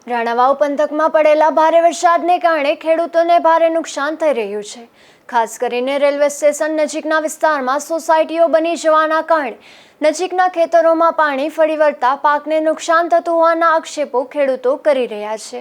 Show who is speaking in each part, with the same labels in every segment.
Speaker 1: રાણાવાવ પંથકમાં પડેલા ભારે વરસાદને કારણે ખેડૂતોને ભારે નુકસાન થઈ રહ્યું છે। ખાસ કરીને રેલવે સ્ટેશન નજીકના વિસ્તારમાં સોસાયટીઓ બની જવાના કારણે નજીકના ખેતરોમાં પાણી ફરી વળતા પાકને નુકસાન થતું હોવાના આક્ષેપો ખેડૂતો કરી રહ્યા છે।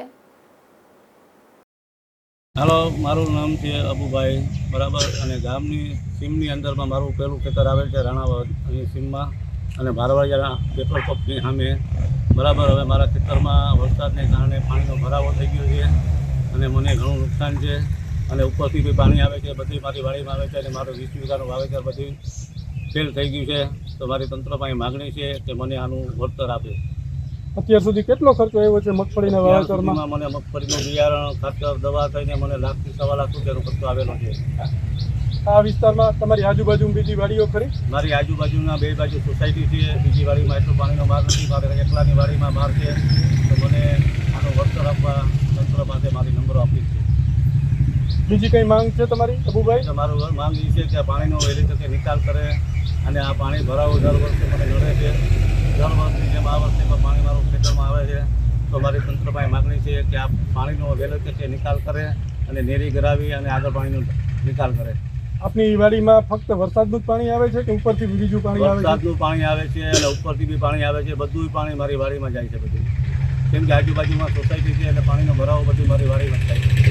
Speaker 2: હાલો, મારું નામ છે અબુભાઈ બરાબર, અને ગામની સીમની અંદરમાં મારું પહેલું ખેતર આવેલ છે રાણાવાવ અહીં સીમમાં, અને ભારવાડિયા પેટ્રોલ પંપની સામે બરાબર। હવે મારા ખેતરમાં વરસાદને કારણે પાણીનો ભરાવો થઈ ગયો છે અને મને ઘણું નુકસાન છે, અને ઉપરથી બી પાણી આવે છે, બધી મારી વાડીમાં આવે છે, અને મારું 20 વીઘાનું વાવેતર બધું ફેલ થઈ ગયું છે। તો મારી તંત્ર પાસે માગણી છે કે મને આનું વળતર આપે।
Speaker 3: અત્યાર સુધી કેટલો ખર્ચો આવ્યો છે મગફળીના વાવેતરમાં?
Speaker 2: મને મગફળીનું બિયારણ, ખાતર, દવા થઈને મને 1 લાખથી 1.25 લાખ રૂપિયાનો ખર્ચો આવેલો છે।
Speaker 3: આ વિસ્તારમાં તમારી આજુબાજુ બીજી વાડીઓ ખરી?
Speaker 2: મારી આજુબાજુના 2 બાજુ સોસાયટી છે, બીજી વાડીમાં એટલો પાણીનો માર નથી, મારે એકલાની વાડીમાં માર છે। તો મને આનો વળતર આપવા તંત્ર પાસે મારી નંબરો આપી છે।
Speaker 3: બીજી કંઈ માંગ છે તમારી અબુભાઈ?
Speaker 2: મારું માંગ એ છે કે પાણીનો વહેલી તકે નિકાલ કરે, અને આ પાણી ભરાવો દર વર્ષે મને નડે છે। દર વર્ષની જેમ આ વર્ષે પણ પાણી મારું ખેતરમાં આવે છે। તો મારી તંત્ર પાસે માગણી છે કે આ પાણીનો વહેલી તકે નિકાલ કરે અને નેરી કરાવી અને આગળ પાણીનો નિકાલ કરે।
Speaker 3: આપની વાડીમાં ફક્ત વરસાદનું જ પાણી આવે છે કે ઉપરથી બીજું પાણી આવે છે?
Speaker 2: વરસાદનું પાણી આવે છે અને ઉપરથી બી પાણી આવે છે, બધું પાણી મારી વાડીમાં જાય છે બધું, કેમ કે આજુબાજુમાં સોસાયટી છે એટલે પાણીનો ભરાવો બધું મારી વાડીમાં થાય છે।